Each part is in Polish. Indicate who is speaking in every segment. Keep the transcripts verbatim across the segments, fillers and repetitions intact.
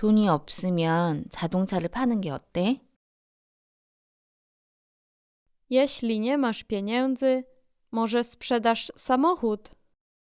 Speaker 1: 돈이 없으면 자동차를 파는 게 어때?
Speaker 2: Jeśli nie masz pieniędzy, może sprzedasz samochód.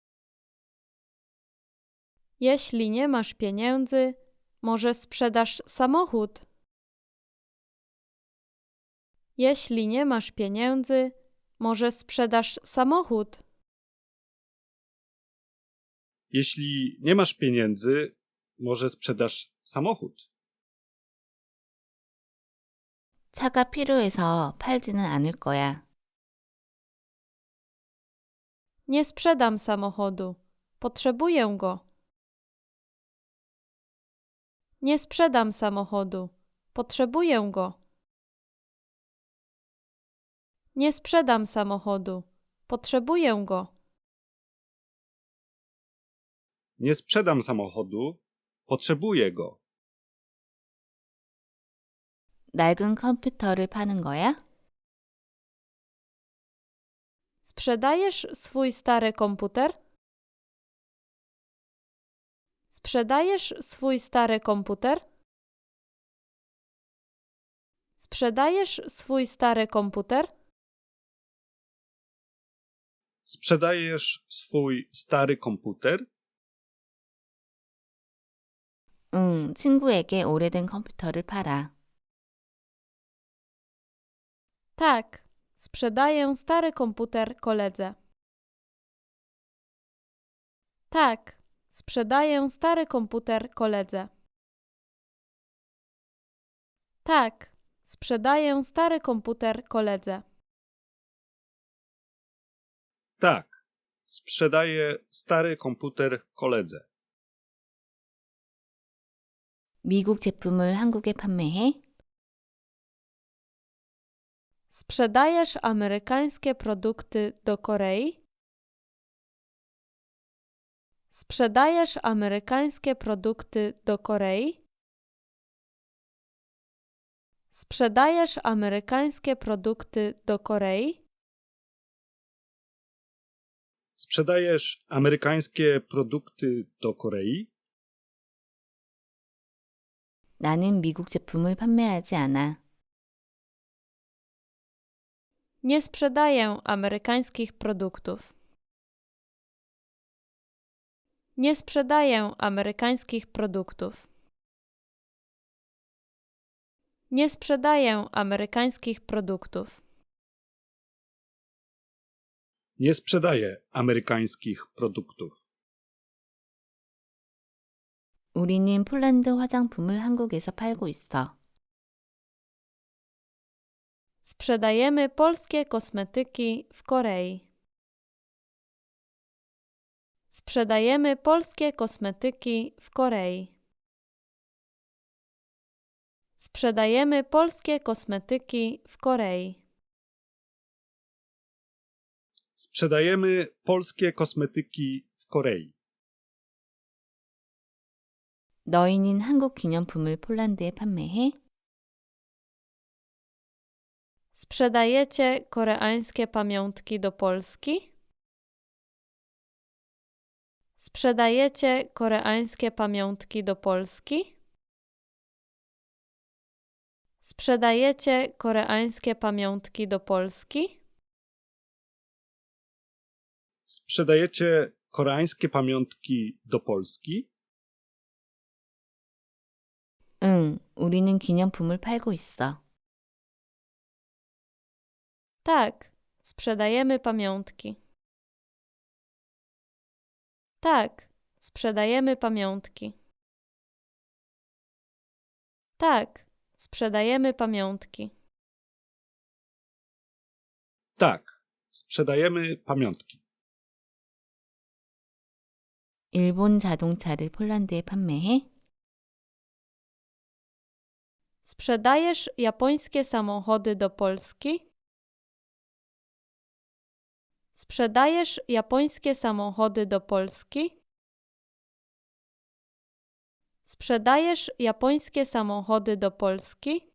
Speaker 2: Jeśli nie masz pieniędzy, może sprzedasz samochód. Jeśli nie masz pieniędzy, może sprzedasz samochód.
Speaker 3: Jeśli nie masz pieniędzy, może sprzedasz samochód.
Speaker 1: 차가 필요해서 팔지는 않을 거야.
Speaker 2: Nie sprzedam samochodu. Potrzebuję go. Nie sprzedam samochodu. Potrzebuję go. Nie sprzedam samochodu. Potrzebuję go.
Speaker 3: Nie sprzedam samochodu, potrzebuję go.
Speaker 1: 낡은 컴퓨터를 파는 거야?
Speaker 2: Sprzedajesz swój stary komputer? Sprzedajesz swój stary komputer? Sprzedajesz swój stary komputer?
Speaker 3: Sprzedajesz swój stary komputer?
Speaker 1: 응, 친구에게 오래된 컴퓨터를 팔아.
Speaker 2: Tak, sprzedaję stary komputer koledze. Tak, sprzedaję stary komputer koledze. Tak, sprzedaję stary komputer koledze.
Speaker 3: Tak, sprzedaję stary komputer koledze.
Speaker 1: 미국 제품을 한국에 판매해?
Speaker 2: Sprzedajesz amerykańskie produkty do Korei? Sprzedajesz amerykańskie produkty do Korei? Sprzedajesz amerykańskie produkty do Korei?
Speaker 3: Sprzedajesz amerykańskie produkty do Korei?
Speaker 1: 나는 미국 제품을 판매하지 않아.
Speaker 2: Nie sprzedaję amerykańskich produktów. Nie sprzedaję amerykańskich produktów. Nie sprzedaję amerykańskich produktów.
Speaker 3: Nie sprzedaję amerykańskich produktów.
Speaker 1: 우리는 폴란드 화장품을 한국에서 팔고 있어.
Speaker 2: Sprzedajemy polskie kosmetyki w Korei. Sprzedajemy polskie kosmetyki w Korei. Sprzedajemy polskie kosmetyki w Korei.
Speaker 3: Sprzedajemy polskie kosmetyki w Korei.
Speaker 1: 너희는 한국 기념품을 폴란드에 판매해?
Speaker 2: Sprzedajecie koreańskie pamiątki do Polski? Sprzedajecie koreańskie pamiątki do Polski? Sprzedajecie koreańskie pamiątki do Polski?
Speaker 3: Sprzedajecie koreańskie pamiątki do Polski?
Speaker 1: 응, 우리는 기념품을 팔고 있어.
Speaker 2: Tak, sprzedajemy pamiątki. Tak, sprzedajemy pamiątki. Tak, sprzedajemy pamiątki.
Speaker 3: Tak, sprzedajemy pamiątki.
Speaker 1: 일본 자동차를 폴란드에 판매해?
Speaker 2: Sprzedajesz japońskie samochody do Polski? Sprzedajesz japońskie samochody do Polski? Sprzedajesz japońskie samochody do Polski?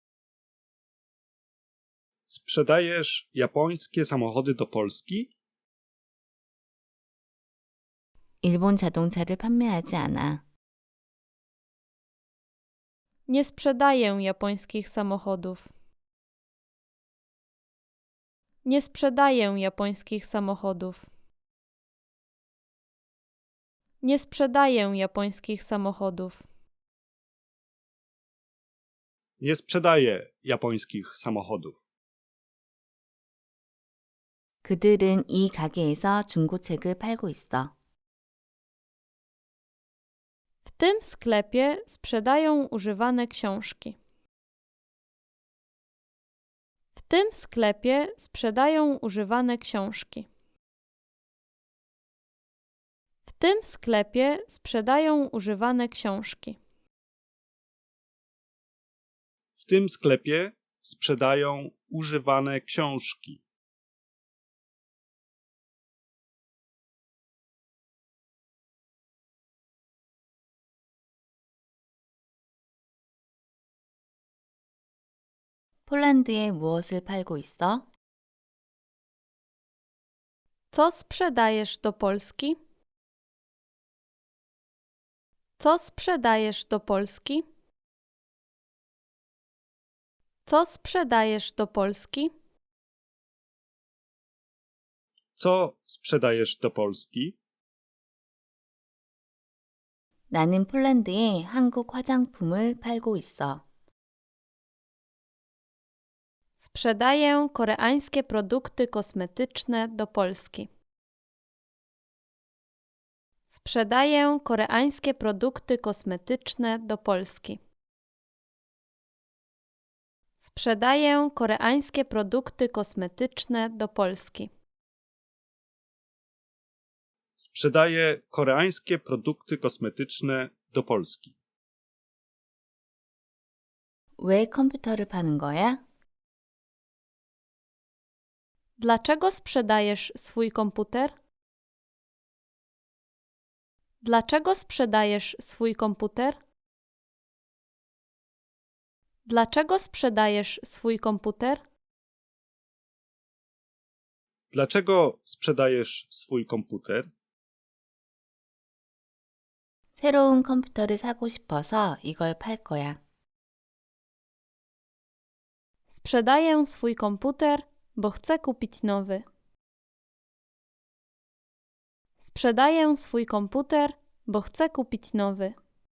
Speaker 3: Sprzedajesz japońskie samochody do Polski?
Speaker 1: 일본 자동차를 판매하지 않아.
Speaker 2: Nie sprzedaję japońskich samochodów. Nie sprzedaję japońskich samochodów. Nie sprzedaję japońskich samochodów.
Speaker 3: Nie sprzedaję japońskich samochodów.
Speaker 1: 그들은 이 가게에서 중고책을 팔고 있어.
Speaker 2: W tym sklepie sprzedają używane książki. W tym sklepie sprzedają używane książki. W tym sklepie sprzedają używane książki.
Speaker 3: W tym sklepie sprzedają używane książki.
Speaker 1: 폴란드에 무엇을 팔고 있어?
Speaker 2: Co sprzedajesz do Polski? Co sprzedajesz do Polski? Co sprzedajesz do Polski?
Speaker 3: Co sprzedajesz do Polski?
Speaker 1: 나는 폴란드에 한국 화장품을 팔고 있어.
Speaker 2: Sprzedaję koreańskie produkty kosmetyczne do Polski. Sprzedaję koreańskie produkty kosmetyczne do Polski. Sprzedaję koreańskie produkty kosmetyczne do Polski.
Speaker 3: Sprzedaję koreańskie produkty kosmetyczne do Polski.
Speaker 1: 왜 컴퓨터를 파는 거야?
Speaker 2: Dlaczego sprzedajesz swój komputer? Dlaczego sprzedajesz swój komputer? Dlaczego sprzedajesz swój komputer?
Speaker 3: Dlaczego sprzedajesz swój komputer?
Speaker 1: 새로운 컴퓨터를 사고 싶어서 이걸 팔 거야.
Speaker 2: Sprzedaję swój komputer, bo chcę kupić nowy. Sprzedaję swój komputer, bo chcę kupić nowy.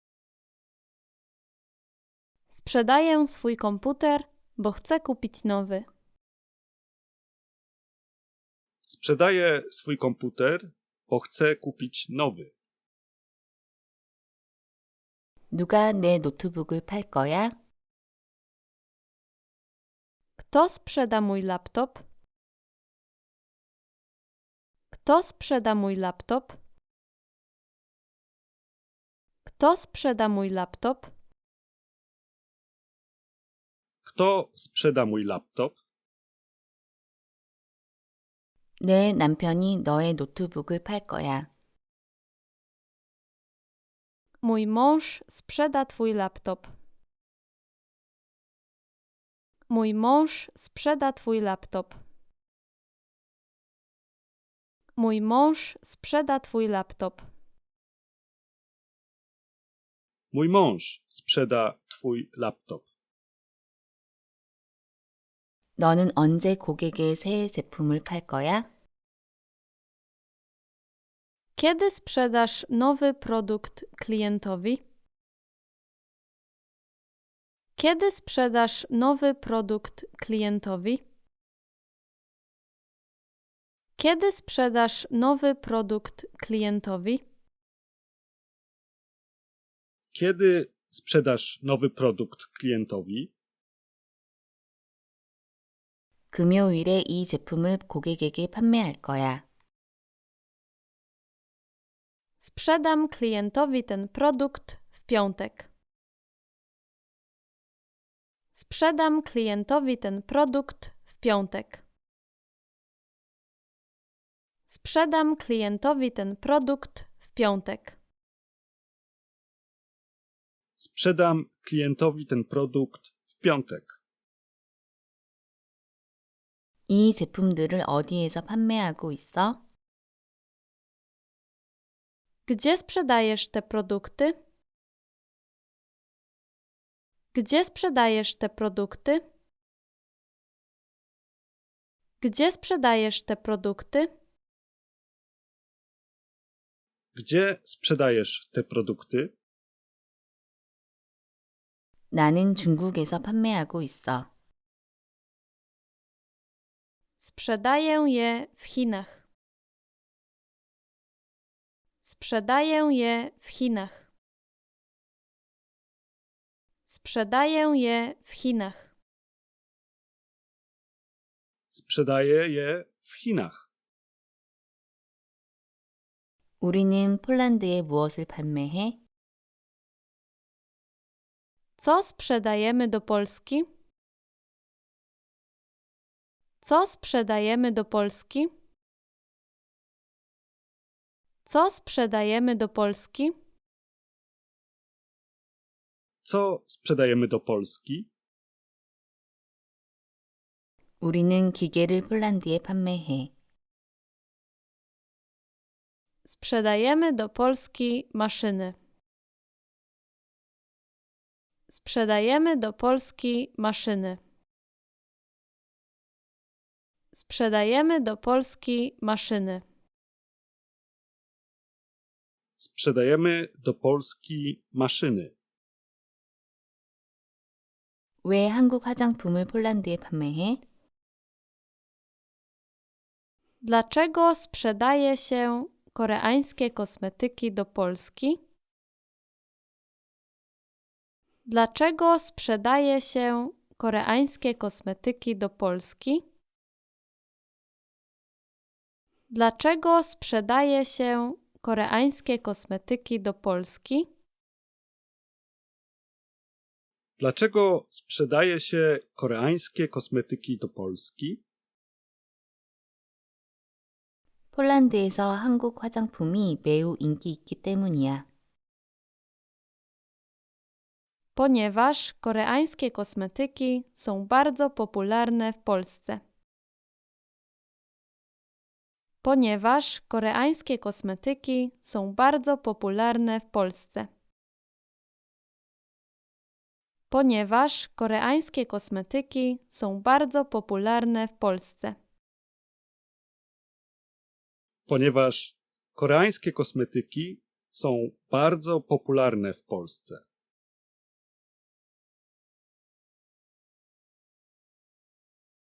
Speaker 2: Sprzedaję swój komputer, bo chcę kupić nowy.
Speaker 3: Sprzedaję swój komputer, bo chcę kupić nowy.
Speaker 1: 누가 내 노트북을 팔 거야?
Speaker 2: Kto sprzeda mój laptop? Kto sprzeda mój laptop? Kto sprzeda mój laptop?
Speaker 3: Kto sprzeda mój laptop?
Speaker 1: 내 남편이 너의 노트북을 팔 거야.
Speaker 2: Mój mąż sprzeda twój laptop. Mój mąż sprzeda twój laptop. Mój mąż sprzeda twój laptop.
Speaker 3: Mój mąż sprzeda twój laptop.
Speaker 1: 너는 언제 고객에 새 제품을 팔 거야?
Speaker 2: Kiedy sprzedasz nowy produkt klientowi? Kiedy sprzedasz nowy produkt klientowi? Kiedy sprzedasz nowy produkt klientowi?
Speaker 3: Kiedy sprzedasz nowy produkt klientowi?
Speaker 1: 금요일에 이 제품을 고객에게 판매할 거야.
Speaker 2: Sprzedam klientowi ten produkt w piątek. Sprzedam klientowi ten produkt w piątek. Sprzedam klientowi ten produkt w piątek.
Speaker 3: Sprzedam klientowi ten produkt w piątek.
Speaker 1: 이 제품들을 어디에서 판매하고 있어?
Speaker 2: Gdzie sprzedajesz te produkty? Gdzie sprzedajesz te produkty? Gdzie sprzedajesz te produkty?
Speaker 3: Gdzie sprzedajesz te produkty?
Speaker 1: 나는 중국에서 판매하고 있어.
Speaker 2: Sprzedaję je w Chinach. Sprzedaję je w Chinach. Sprzedaję je w Chinach.
Speaker 3: Sprzedaję je w Chinach.
Speaker 1: 우리는 폴란드에 무엇을 판매해?
Speaker 2: Co sprzedajemy do Polski? Co sprzedajemy do Polski? Co sprzedajemy do Polski?
Speaker 3: Co sprzedajemy do Polski?
Speaker 1: 우리는 기계를 폴란드에 판매해.
Speaker 2: Sprzedajemy do Polski maszyny. Sprzedajemy do Polski maszyny. Sprzedajemy do Polski maszyny.
Speaker 3: Sprzedajemy do Polski maszyny.
Speaker 1: 왜 한국 화장품을 폴란드에 판매해?
Speaker 2: Dlaczego sprzedaje się koreańskie kosmetyki do Polski? Dlaczego sprzedaje się koreańskie kosmetyki do Polski? Dlaczego sprzedaje się koreańskie kosmetyki do Polski?
Speaker 3: Dlaczego sprzedaje się koreańskie kosmetyki do Polski?
Speaker 1: 폴란드에서 한국 화장품이 매우 인기 있기 때문이야.
Speaker 2: Ponieważ koreańskie kosmetyki są bardzo popularne w Polsce. Ponieważ koreańskie kosmetyki są bardzo popularne w Polsce. Ponieważ koreańskie kosmetyki są bardzo popularne w Polsce.
Speaker 3: Ponieważ koreańskie kosmetyki są bardzo popularne w Polsce.